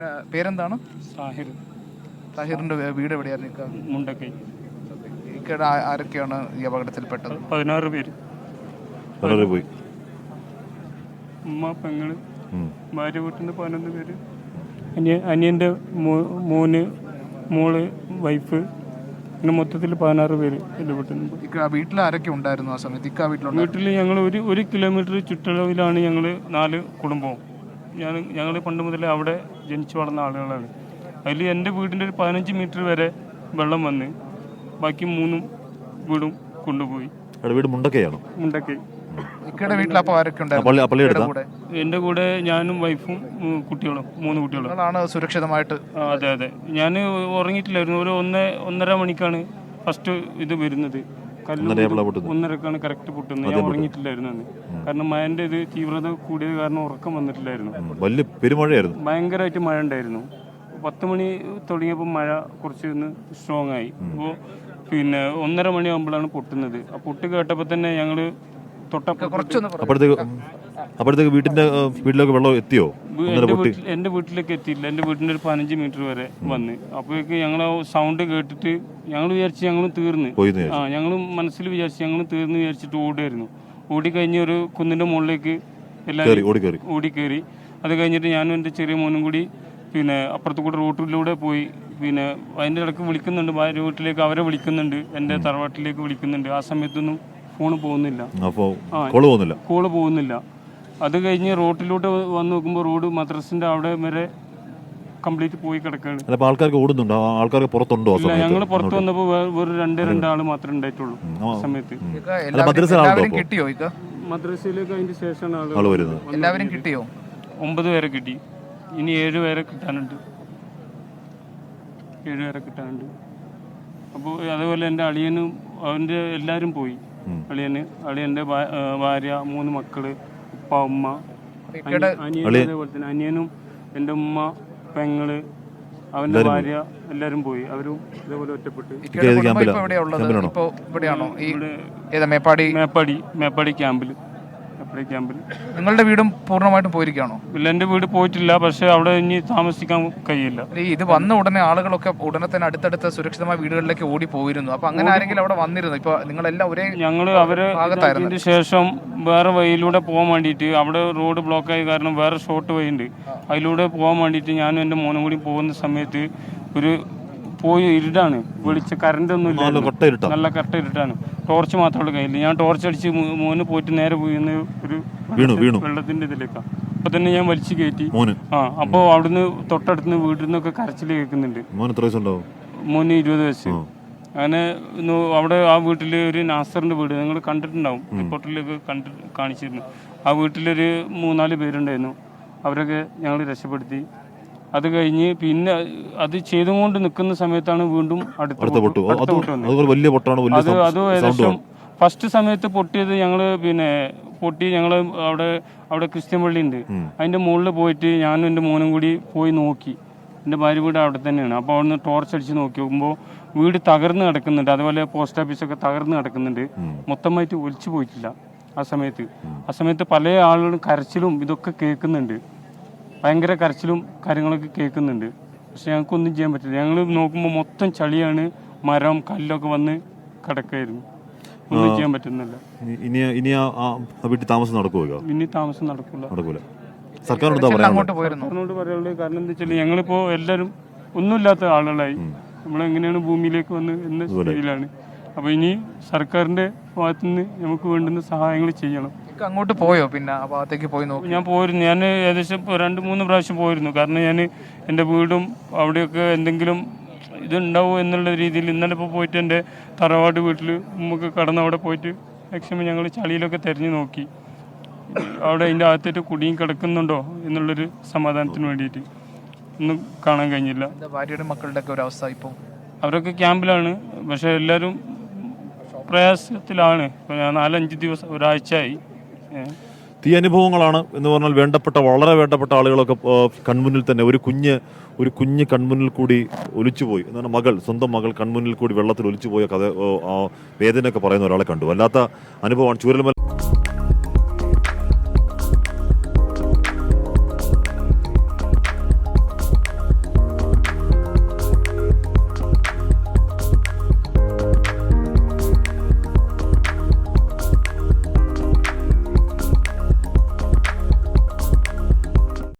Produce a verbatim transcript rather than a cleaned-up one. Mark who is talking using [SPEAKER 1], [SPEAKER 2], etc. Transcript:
[SPEAKER 1] ഏഹ് പേരെന്താണ്?
[SPEAKER 2] സാഹിർ.
[SPEAKER 1] താഹിറിന്റെ വീ- വീട് എവിടെയായിരുന്നു ഇക്ക?
[SPEAKER 2] മുണ്ടക്കൈ.
[SPEAKER 1] ഇക്കയുടെ ആ- ആരൊക്കെയാണ് ഈ അപകടത്തിൽപ്പെട്ടത്?
[SPEAKER 2] പതിനാറ് പേര്.
[SPEAKER 3] വളരെ പോയി.
[SPEAKER 2] ഉമ്മ, പെങ്ങള്,
[SPEAKER 3] ഉം.
[SPEAKER 2] ഭാര്യ വീട്ടിൽ നിന്ന് പതിനൊന്ന് പേര്, അനിയ അനിയൻ്റെ മോന്, മോള്, വൈഫ്, പിന്നെ മൊത്തത്തിൽ പതിനാറ് പേര് എൻ്റെ വീട്ടിൽ നിന്ന്.
[SPEAKER 1] ഇക്ക വീട്ടിൽ ആരൊക്കെ ഉണ്ടായിരുന്നു ആ സമയത്ത്? ഇക്ക വീട്ടിലുണ്ടായിരുന്നു?
[SPEAKER 2] വീട്ടിൽ ഞങ്ങൾ ഒരു ഒരു കിലോമീറ്റർ ചുറ്റളവിലാണ് ഞങ്ങൾ നാല് കുടുംബവും. ഞാൻ ഞങ്ങൾ പണ്ട് മുതലേ അവിടെ ജനിച്ചു വളർന്ന ആളുകളാണ്. അതിൽ എൻ്റെ വീടിൻ്റെ ഒരു പതിനഞ്ച് മീറ്റർ വരെ വെള്ളം വന്ന് ബാക്കി മൂന്നും വീടും കൊണ്ടുപോയി.
[SPEAKER 3] അവിടെ വീട് മുണ്ടക്കയാണോ?
[SPEAKER 2] മുണ്ടക്കൈ.
[SPEAKER 1] ഇക്കയുടെ വീട്ടിൽ അപ്പോൾ ആരൊക്കെ ഉണ്ടായിരുന്നു?
[SPEAKER 3] പള്ളി പള്ളി
[SPEAKER 1] ഇക്കയുടെ
[SPEAKER 3] എടുത്താ
[SPEAKER 1] കൂടെ
[SPEAKER 2] എൻ്റെ കൂടെ ഞാനും വൈഫും ഉം, കുട്ടികളും മൂന്ന് കുട്ടികളും.
[SPEAKER 1] നിങ്ങളാണ് സുരക്ഷിതമായിട്ട്?
[SPEAKER 2] ആ, അതെ അതെ. ഞാൻ ഉറങ്ങിയിട്ടില്ലായിരുന്നു. ഒരു ഒന്ന് ഒന്നര മണിക്കാണ് ഫസ്റ്റ് ഇത് വരുന്നത്. കല്ല്
[SPEAKER 3] ഒന്നരയായപ്പോഴാ പൊട്ടുന്നത്?
[SPEAKER 2] ഒന്നരക്കാണ് കറക്റ്റ് പൊട്ടുന്നത്. ഞാൻ ഉറങ്ങിയിട്ടില്ലായിരുന്നു അന്ന്. കാരണം മഴൻ്റെ ഇത് തീവ്രത കൂടിയത് കാരണം ഉറക്കം വന്നിട്ടില്ലായിരുന്നു.
[SPEAKER 3] ഉം. വലിയ പെരുമഴയായിരുന്നു.
[SPEAKER 2] ഭയങ്കരമായിട്ട് മഴ ഉണ്ടായിരുന്നു. പത്ത് മണി തുടങ്ങിയപ്പോൾ മഴ കുറച്ച് ഒന്ന് സ്ട്രോങ് ആയി. അപ്പോൾ പിന്നെ ഒന്നര മണിയാകുമ്പോഴാണ് പൊട്ടുന്നത്. ആ പൊട്ട് കേട്ടപ്പോൾ തന്നെ ഞങ്ങൾ തൊട്ടപ്പുറത്ത്
[SPEAKER 1] കുറച്ചൊന്ന് പറ-
[SPEAKER 3] അപ്പോഴത്തേക്ക് അപ്പോഴത്തേക്ക് വീട്ടിന്റെ ഏഹ്, വീട്ടിലേക്ക് വെള്ളം എത്തിയോ? ഒന്നര
[SPEAKER 2] എൻ്റെ
[SPEAKER 3] പൊട്ടി.
[SPEAKER 2] വീട്ടിൽ എൻ്റെ വീട്ടിലേക്ക് എത്തിയില്ല. എൻ്റെ വീട്ടിൻ്റെ ഒരു പതിനഞ്ച് മീറ്റർ വരെ വന്ന്. അപ്പോഴേക്ക് ഞങ്ങൾ സൗണ്ട് കേട്ടിട്ട് ഞങ്ങൾ വിചാരിച്ച് ഞങ്ങൾ തീർന്ന്.
[SPEAKER 3] പോയിന്ന്
[SPEAKER 2] ആ, ഞങ്ങൾ മനസ്സിൽ വിചാരിച്ച് ഞങ്ങൾ തീർന്ന് വിചാരിച്ചിട്ട് ഓടുമായിരുന്നു. ഓടിക്കഴിഞ്ഞ് ഒരു കുന്നിൻ്റെ മുകളിലേക്ക്
[SPEAKER 3] കയറി
[SPEAKER 2] എല്ലാവരും
[SPEAKER 3] ഓടി കയറി.
[SPEAKER 2] ഓടിക്കയറി. അത് കഴിഞ്ഞിട്ട് ഞാനും എൻ്റെ ചെറിയ മോനും കൂടി പിന്നെ അപ്പുറത്ത് കൂടെ റോട്ടിലൂടെ പോയി. പിന്നെ അതിൻ്റെ ഇടയ്ക്ക് വിളിക്കുന്നുണ്ട്, ഭാര്യ വീട്ടിലേക്ക് അവരെ വിളിക്കുന്നുണ്ട്, എൻ്റെ തറവാട്ടിലേക്ക് വിളിക്കുന്നുണ്ട്. ആ സമയത്തൊന്നും ഫോൺ പോകുന്നില്ല,
[SPEAKER 3] അപ്പോൾ കോള് പോകുന്നില്ല.
[SPEAKER 2] കോള് പോകുന്നില്ല. അത് കഴിഞ്ഞ് റോട്ടിലൂടെ വന്ന് നോക്കുമ്പോൾ റോഡ് മദ്രസിൻ്റെ അവിടെ വരെ കംപ്ലീറ്റ് പോയി കിടക്കുകയാണ്.
[SPEAKER 3] അല്ല, അപ്പോൾ ആൾക്കാർക്ക് ഓടുന്നുണ്ടോ? ആ ആൾക്കാർക്ക് പുറത്തുണ്ടോ ആ
[SPEAKER 2] ഇല്ല,
[SPEAKER 3] സമയത്ത്?
[SPEAKER 2] ഞങ്ങൾ പുറത്ത് വന്നപ്പോൾ വെറും രണ്ടേ രണ്ടാൾ മാത്രമേ ഉണ്ടായിട്ടുള്ളൂ ആ സമയത്ത്.
[SPEAKER 1] ഇക്ക
[SPEAKER 3] അല്ല,
[SPEAKER 1] എല്ലാവരും
[SPEAKER 3] മദ്രസയിൽ ആളുണ്ടോ
[SPEAKER 1] എല്ലാവരും
[SPEAKER 3] അപ്പോൾ?
[SPEAKER 1] കിട്ടിയോ ഇക്ക?
[SPEAKER 2] മദ്രസയിലേക്ക് അതിൻ്റെ ശേഷമാണ്
[SPEAKER 3] ആള്
[SPEAKER 2] ആൾ
[SPEAKER 3] വരുന്നത്.
[SPEAKER 1] എല്ലാവരും കിട്ടിയോ?
[SPEAKER 2] ഒമ്പത് പേരെ കിട്ടി. ഇനി ഏഴ് പേരെ കിട്ടാനുണ്ട്. ഏഴ് പേരെ കിട്ടാനുണ്ട്. അപ്പോൾ അതേപോലെ എൻ്റെ അളിയനും അവൻ്റെ എല്ലാവരും പോയി. അളിയന്, അളിയൻ്റെ ഭാ- ആ, ഭാര്യ, മൂന്ന് മക്കള്, ഉപ്പ, ഉമ്മ,
[SPEAKER 1] ഇക്കയുടെ
[SPEAKER 2] അനിയൻ, അതേപോലെ തന്നെ അനിയനും എൻ്റെ ഉമ്മ, പെങ്ങള്, അവൻ്റെ ഭാര്യ എല്ലാവരും പോയി. അവരും ഇതേപോലെ ഒറ്റപ്പെട്ട്.
[SPEAKER 1] ഇക്കയുടെ കുടുംബം ഇപ്പൊ എവിടെയാ ഉള്ളത്? ഇപ്പൊ ഇവിടെയാണോ? ഈ ഏതാ മേപ്പാടി?
[SPEAKER 2] മേപ്പാടി മേപ്പാടി ക്യാമ്പിൽ മേപ്പാടി ക്യാമ്പിൽ
[SPEAKER 1] നിങ്ങളുടെ വീടും പൂർണ്ണമായിട്ടും പോയിരിക്കുകയാണോ?
[SPEAKER 2] ഇല്ല, എൻ്റെ വീട് പോയിട്ടില്ല. പക്ഷെ അവിടെ ഇനി താമസിക്കാൻ കഴിയില്ല.
[SPEAKER 1] ഈ ഇത് വന്ന ഉടനെ ആളുകളൊക്കെ ഉടനെ തന്നെ അടുത്തടുത്ത സുരക്ഷിതമായ വീടുകളിലേക്ക് ഓടി പോയിരുന്നു. അപ്പൊ അങ്ങനെ ആരെങ്കിലും അവിടെ വന്നിരുന്നു? ഇപ്പൊ നിങ്ങളെല്ലാം ഒരേ
[SPEAKER 2] ഞങ്ങൾ അവരെ
[SPEAKER 1] ഭാഗത്തായിരുന്നു.
[SPEAKER 2] ഇതിന് ശേഷം വേറെ വഴിയിലൂടെ പോകാൻ വേണ്ടിയിട്ട്, അവിടെ റോഡ് ബ്ലോക്കായ കാരണം വേറെ ഷോർട്ട് വഴി ഉണ്ട്, അതിലൂടെ പോകാൻ വേണ്ടിയിട്ട് ഞാനും എൻ്റെ മോനും കൂടി പോകുന്ന സമയത്ത് ഒരു പോയി ഇരുട്ടാണ്, വെളിച്ച കറണ്ട് ഒന്നും ഇല്ല, നല്ല കറക്റ്റ് ഇരുട്ടാണ്. ടോർച്ച് മാത്രമുള്ള കയ്യിൽ. ഞാൻ ടോർച്ച് അടിച്ച് മോന് പോയിട്ട് നേരെ പോയി ഒരു
[SPEAKER 3] വീണു വീണു
[SPEAKER 2] വെള്ളത്തിന്റെ ഇതിലേക്കാണ്. അപ്പൊ തന്നെ ഞാൻ വലിച്ചു കയറ്റി.
[SPEAKER 3] മോന്
[SPEAKER 2] ആ, അപ്പോൾ അവിടുന്ന് തൊട്ടടുത്ത് വീട്ടിൽ നിന്നൊക്കെ കരച്ചിൽ കേൾക്കുന്നുണ്ട്.
[SPEAKER 3] മോന് എത്ര വയസ്സുണ്ടാവും?
[SPEAKER 2] മോന് ഇരുപത് വയസ്സ്. അങ്ങനെ നോ- അവിടെ ആ വീട്ടിൽ ഒരു നാസറിന്റെ വീട് നിങ്ങൾ കണ്ടിട്ടുണ്ടാവും, റിപ്പോർട്ടിലൊക്കെ കണ്ടി കാണിച്ചിരുന്നു. ആ വീട്ടിലൊരു മൂന്നാല് പേരുണ്ടായിരുന്നു. അവരൊക്കെ ഞങ്ങൾ രക്ഷപ്പെടുത്തി. അത് കഴിഞ്ഞ് പിന്നെ അത് ചെയ്തുകൊണ്ട് നിൽക്കുന്ന സമയത്താണ് വീണ്ടും അടുത്ത
[SPEAKER 3] അടുത്ത പൊട്ടു.
[SPEAKER 2] അടുത്ത
[SPEAKER 3] അത്
[SPEAKER 2] പൊട്ട് വന്നത്.
[SPEAKER 3] അതുപോലെ വലിയ പൊട്ടാണ്, വലിയ
[SPEAKER 2] അത് അത് ഏകദേശം ഫസ്റ്റ് സമയത്ത് പൊട്ടിയത് ഞങ്ങൾ പിന്നെ പൊട്ടി ഞങ്ങൾ അവിടെ അവിടെ ക്രിസ്ത്യൻ പള്ളി ഉണ്ട്, അതിൻ്റെ മുകളിൽ പോയിട്ട് ഞാനും എൻ്റെ മോനും കൂടി പോയി നോക്കി. എൻ്റെ ഭാര്യ വീട് അവിടെ തന്നെയാണ്. അപ്പോൾ അവിടുന്ന് ടോർച്ച് അടിച്ച് നോക്കി നോക്കുമ്പോൾ വീട് തകർന്ന് കിടക്കുന്നുണ്ട്. അതുപോലെ പോസ്റ്റ് ഓഫീസൊക്കെ തകർന്ന് കിടക്കുന്നുണ്ട്. മൊത്തമായിട്ട് ഒലിച്ചു പോയിട്ടില്ല ആ സമയത്ത്. ആ സമയത്ത് പല ആളുകളും കരച്ചിലും ഇതൊക്കെ കേൾക്കുന്നുണ്ട്. ഭയങ്കര കരച്ചിലും കാര്യങ്ങളൊക്കെ കേൾക്കുന്നുണ്ട്. പക്ഷെ ഞങ്ങൾക്കൊന്നും ചെയ്യാൻ പറ്റില്ല. ഞങ്ങൾ നോക്കുമ്പോൾ മൊത്തം ചളിയാണ്, മരം കല്ലൊക്കെ വന്ന് കിടക്കായിരുന്നു. ഒന്നും ചെയ്യാൻ പറ്റുന്നില്ല.
[SPEAKER 3] ഇനി ഇനി ആ ആ വീട്ടിൽ താമസം നടക്കുമോ?
[SPEAKER 2] ഇനി താമസം നടക്കില്ല.
[SPEAKER 3] നടക്കൂല. സർക്കാരിനോട് എന്താ പറയാ?
[SPEAKER 1] അങ്ങോട്ട് പോയിരുന്നു.
[SPEAKER 2] അതിനോട് പറയാനുള്ളത് കാരണം എന്താ വെച്ചാൽ ഞങ്ങളിപ്പോൾ എല്ലാവരും ഒന്നുമില്ലാത്ത ആളുകളായി. നമ്മളെങ്ങനെയാണ് ഭൂമിയിലേക്ക് വന്ന് എന്ന സ്ഥിതിയിലാണ്. അപ്പോൾ ഇനി സർക്കാരിൻ്റെ ഭാഗത്തു നിന്ന് നമുക്ക് വേണ്ടുന്ന സഹായങ്ങൾ ചെയ്യണം.
[SPEAKER 1] ഇക്ക അങ്ങോട്ട് പോയോ? പിന്നെ ആ ഭാഗത്തേക്ക് പോയി നോക്കി?
[SPEAKER 2] ഞാൻ പോയിരുന്നു. ഞാൻ ഏകദേശം ഇപ്പോൾ രണ്ട് മൂന്ന് പ്രാവശ്യം പോയിരുന്നു. കാരണം ഞാൻ എൻ്റെ വീടും അവിടെയൊക്കെ എന്തെങ്കിലും ഇതുണ്ടാവും എന്നുള്ള രീതിയിൽ ഇന്നലെ ഇപ്പോൾ പോയിട്ട് എൻ്റെ തറവാട് വീട്ടിൽ നമുക്ക് കടന്ന് അവിടെ പോയിട്ട് മാക്സിമം ഞങ്ങൾ ചളിയിലൊക്കെ തിരഞ്ഞു നോക്കി. അവിടെ അതിൻ്റെ അകത്തേറ്റ് കുടിയും കിടക്കുന്നുണ്ടോ എന്നുള്ളൊരു സമാധാനത്തിന് വേണ്ടിയിട്ട് ഒന്നും കാണാൻ കഴിഞ്ഞില്ല.
[SPEAKER 1] ഭാര്യയുടെ മക്കളുടെ ഒക്കെ ഒരു അവസ്ഥ ഇപ്പോൾ?
[SPEAKER 2] അവരൊക്കെ ക്യാമ്പിലാണ്. പക്ഷേ എല്ലാവരും പ്രയാസത്തിലാണ്. ഇപ്പോൾ ഞാൻ നാലഞ്ച് ദിവസം ഒരാഴ്ചയായി.
[SPEAKER 3] തീ അനുഭവങ്ങളാണ് എന്ന് പറഞ്ഞാൽ വേണ്ടപ്പെട്ട വളരെ വേണ്ടപ്പെട്ട ആളുകളൊക്കെ കൺമുന്നിൽ തന്നെ ഒരു കുഞ്ഞ് ഒരു കുഞ്ഞ് കൺമുന്നിൽ കൂടി ഒലിച്ചുപോയി എന്നാണ് മകൾ, സ്വന്തം മകൾ കൺമുന്നിൽ കൂടി വെള്ളത്തിൽ ഒലിച്ചുപോയ കഥ, വേദനയൊക്കെ പറയുന്ന ഒരാളെ കണ്ടു. വല്ലാത്ത അനുഭവമാണ്. ചൂരൽമല